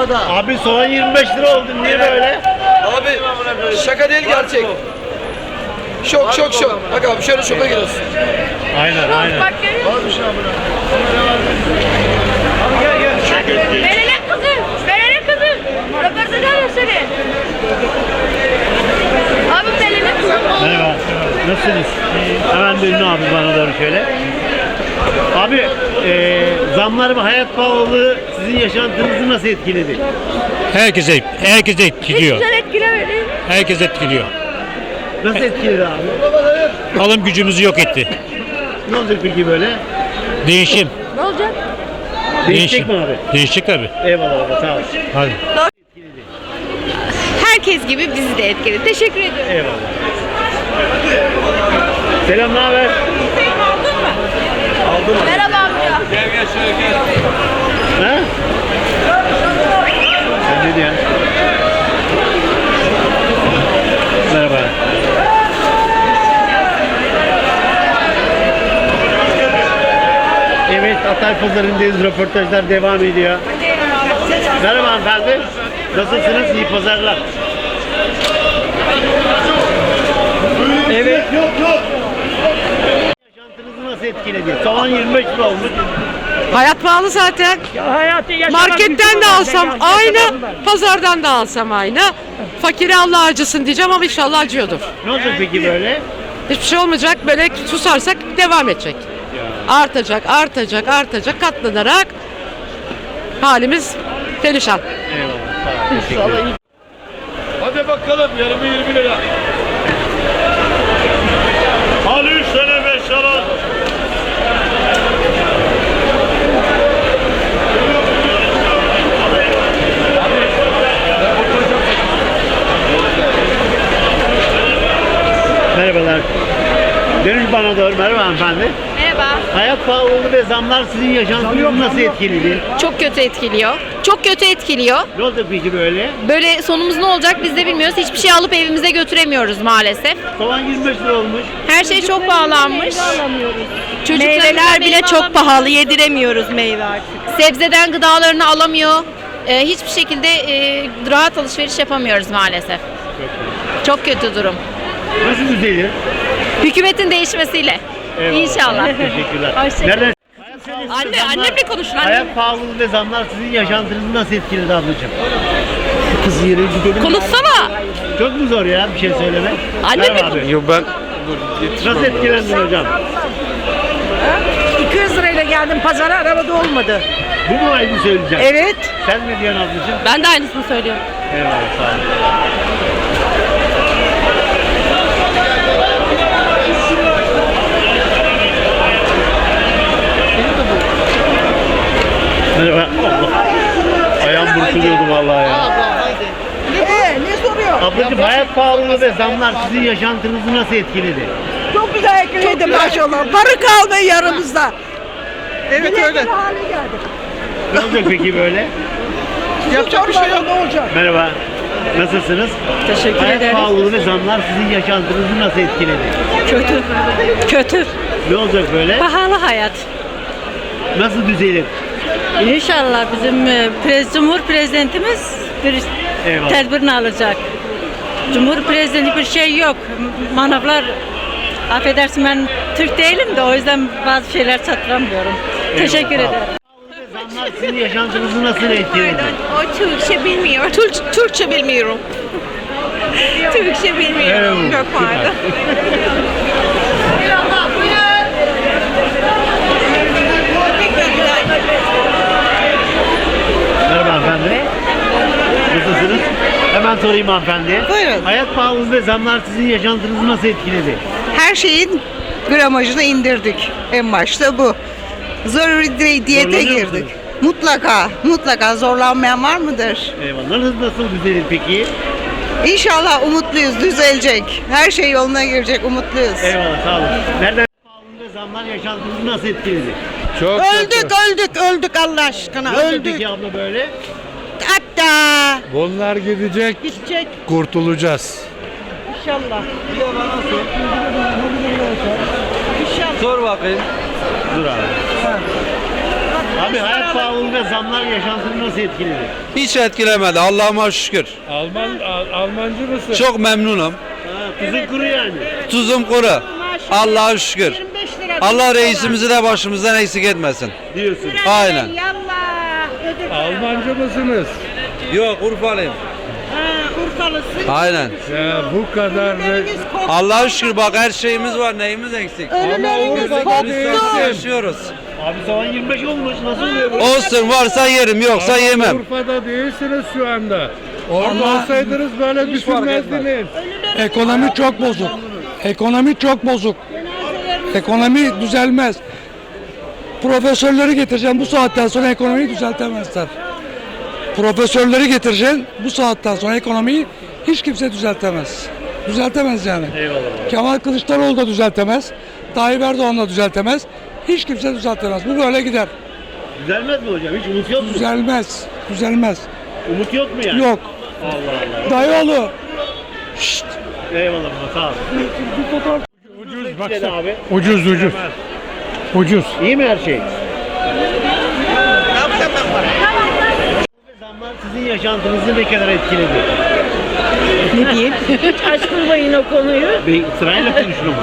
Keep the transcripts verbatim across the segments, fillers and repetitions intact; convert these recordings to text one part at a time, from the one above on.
da. Abi soğan yirmi beş lira oldu. Niye böyle? Abi şaka değil gerçek. Şok şok şok. Bak abi şöyle şoka giriyorsun. Aynen aynen. Bak görüyor musun? Abi gel gel. Verene kızım. Verene kızım. Röportaj alıyor seni. Abi verene kızım. Merhaba. Nasılsınız? Hemen dönün abi bana doğru şöyle. Abi e, zamlar ve hayat pahalılığı sizin yaşantınızı nasıl etkiledi? Herkese, herkese Hiç etkiliyor. güzel etkilemedi. Herkes etkiliyor. Nasıl etkiledi abi? Alım gücümüzü yok etti. Ne olacak peki böyle? Değişim. Ne olacak? Değişecek mi abi? Değişecek tabii. Eyvallah abi sağ ol. Hadi. Herkes gibi bizi de etkiledi. Teşekkür ediyorum. Eyvallah. Selam, ne haber? Aldın mı? Aldım. Merhaba amca. Gel gel şöyle gel. Ha? Sen ne diyorsun? Merhaba. Evet, Hatay Pazarı'ndayız. Röportajlar devam ediyor. Merhaba hanımefendi. Nasılsınız? İyi pazarlar. Evet. Yok yok. Yaşantınızı nasıl etkiledi? Soğan yirmi beş lira olmuş. Hayat pahalı zaten. Marketten de alsam aynı, pazardan da alsam aynı. Fakire Allah acısın diyeceğim ama inşallah acıyordur. Ne olacak peki böyle? Hiçbir şey olmayacak, böyle susarsak devam edecek. Artacak, artacak, artacak, katlanarak halimiz perişan. Eyvallah. Sağ ol. Teşekkür ederim. Hadi bakalım yarımı yirmi lira. Al üç tane beş lira. Merhabalar. Dönün bana doğru. Merhaba hanımefendi. Merhaba. Hayat pahalılığı ve zamlar sizin yaşantınızı nasıl etkiledi? Çok kötü etkiliyor. Çok kötü etkiliyor. Ne oldu peki böyle? Böyle sonumuz ne olacak biz de bilmiyoruz. Hiçbir şey alıp evimize götüremiyoruz maalesef. Soğan yirmi beş lira olmuş. Her şey çok pahalanmış. Çocuklarımıza Meyveler bile meyve çok alamıyoruz. pahalı, yediremiyoruz meyve artık. Sebzeden gıdalarını alamıyor. Ee, hiçbir şekilde e, rahat alışveriş yapamıyoruz maalesef. Çok kötü durum. Nasıl düzelir? Hükümetin değişmesiyle. Eyvallah. İnşallah. Teşekkürler. Hoşçakalın. Nereden? Anne, annemle konuşun anne. Hayat pahalılığı ve zamlar sizin yaşantınızı nasıl etkiledi ablacığım? Kız yere gidelim. Konuşsana. Çok mu zor ya bir şey söylemek? Annemle Merhaba abi. Yok ben Nasıl etkilendin hocam? iki yüz lirayla geldim pazara, arabada olmadı. Bu mu aynı söyleyeceğim? Evet. Sen ne diyorsun ablacığım? Ben de aynısını söylüyorum. Eyvallah sağ ol. Merhaba. Allah. Ayağım burkuluyordu vallahi ya. Ee, ne soruyor? Ablacığım hayat pahalılığı ve zamlar sizin yaşantınızı nasıl etkiledi? Çok güzel ekledi maşallah. Barı kalmayı yanımızda. evet öyle. hale geldik. Ne olacak peki böyle? Yapacak bir şey yok. Ne olacak? Merhaba. Nasılsınız? Teşekkür Hayat ederim. pahalılığı ve zamlar sizin yaşantınızı nasıl etkiledi? Kötü. Kötü. Ne olacak böyle? Pahalı hayat. Nasıl düzelir? İnşallah bizim e, prez, Cumhur Prezidentimiz bir Eyvallah. tedbirini alacak. Cumhur Prezidenti bir şey yok. Manavlar, affedersin ben Türk değilim de o yüzden bazı şeyler çatıramıyorum. Teşekkür sağ ol. ederim. Zamlar sizin yaşantınızı nasıl etkiledi? O Türkçe bilmiyor. Türk, Türkçe bilmiyorum. Türkçe bilmiyorum. Evet, Çok pardon. Merhaba hanımefendi. Nasılsınız? Hemen sorayım hanımefendiye. Buyurun. Hayat pahalılığı ve zamlar sizin yaşantınızı nasıl etkiledi? Her şeyin gramajını indirdik. En başta bu. Zaruri di- diyete Zorlanıyor girdik. musunuz? Mutlaka, mutlaka zorlanmayan var mıdır? Eyvallah. Nasıl, nasıl düzelir peki? İnşallah umutluyuz, düzelecek. Her şey yoluna girecek, umutluyuz. Eyvallah sağ olun. Nereden pahalılığı ve zamlar yaşantınızı nasıl etkiledi? Çok Öldük, öldük, öldük Allah aşkına, Ne olacak öldük. peki abla böyle? Hatta Bunlar gidecek, gidecek kurtulacağız. inşallah. Sor bakayım. Dur abi. Abi hayat pahalılığı ve zamlar yaşantını nasıl etkiledi? Hiç etkilemedi Allah'ıma şükür. Alman Al- Almancı mısın? Çok memnunum. Ha, tuzun kuru yani. Tuzum kuru. Allah'a şükür. Allah reisimizi de başımızdan eksik etmesin. Diyorsun. Aynen. Almancı mısınız? Yok Urfalıyım. Aynen. Ya bu kadar da... Allah'a şükür bak her şeyimiz var. Neyimiz eksik? Ama Urfa'da değilsin. Yaşıyoruz. Abi sabah yirmi beş olmuş. Nasıl oluyor bu? Olsun varsa yerim yoksa yemem. Urfa'da değilsiniz şu anda. Orada olsaydınız böyle düşünmezdiniz. Ekonomi çok bozuk. Ekonomi çok bozuk. Ekonomi düzelmez. Profesörleri getireceğim bu saatten sonra ekonomiyi düzeltemezler. Profesörleri getireceğim bu saatten sonra ekonomiyi hiç kimse düzeltemez. Düzeltemez yani. Eyvallah. Kemal Kılıçdaroğlu da düzeltemez. Tayyip Erdoğan da düzeltemez. Hiç kimse düzeltemez. Bu böyle gider. Düzelmez mi hocam? Hiç umut yok mu? Düzelmez. Düzelmez. Umut yok mu yani? Yok. Allah Allah. Dayıoğlu. Şşt. Eyvallah baba, sağ ol. Ucuz Dedi baksana. abi. Ucuz ucuz. Ucuz. İyi mi her şey? Zamlar sizin yaşantınızı ne kadar etkiledi? Ne diyeyim? Açmayın o konuyu. Bey, sırayla konuşun ama.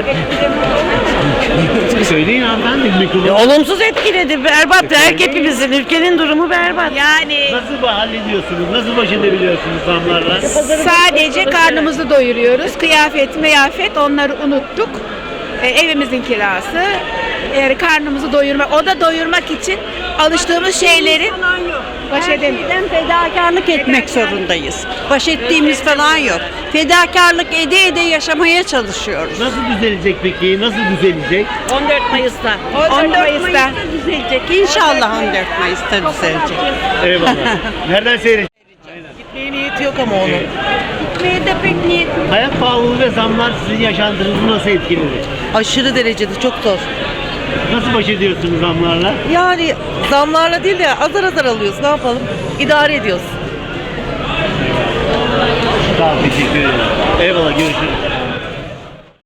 Söyleyin hanımefendi mikrofonu. Olumsuz etkiledi. Berbat. Hepimizin ülkenin durumu berbat. Yani Nasıl hallediyorsunuz? Nasıl baş edebiliyorsunuz zamlarla? sadece karnımızı doyuruyoruz. Kıyafet, meyafet onları unuttuk. E, evimizin kirası. Yani karnımızı doyurmak, o da doyurmak için alıştığımız şeyleri baş edemiyoruz. Fedakarlık etmek zorundayız. Baş ettiğimiz falan yok. Fedakarlık ede ede yaşamaya çalışıyoruz. Nasıl düzelecek peki? Nasıl düzelecek? on dört Mayıs'ta. on dört Mayıs'ta. düzelecek. İnşallah on dört Mayıs'ta düzelecek. Eyvallah. Nereden seyredeceğiz? Gitmeye niyeti yok ama onun. Gitmeye de pek niyet. Hayat pahalılığı ve zamlar sizin yaşantınızı nasıl etkiledi? Aşırı derecede çok zor. Nasıl baş ediyorsunuz zamlarla? Yani zamlarla değil de azar azar alıyoruz. Ne yapalım? İdare ediyoruz. Sağ ol, teşekkür ederim. Eyvallah, görüşürüz.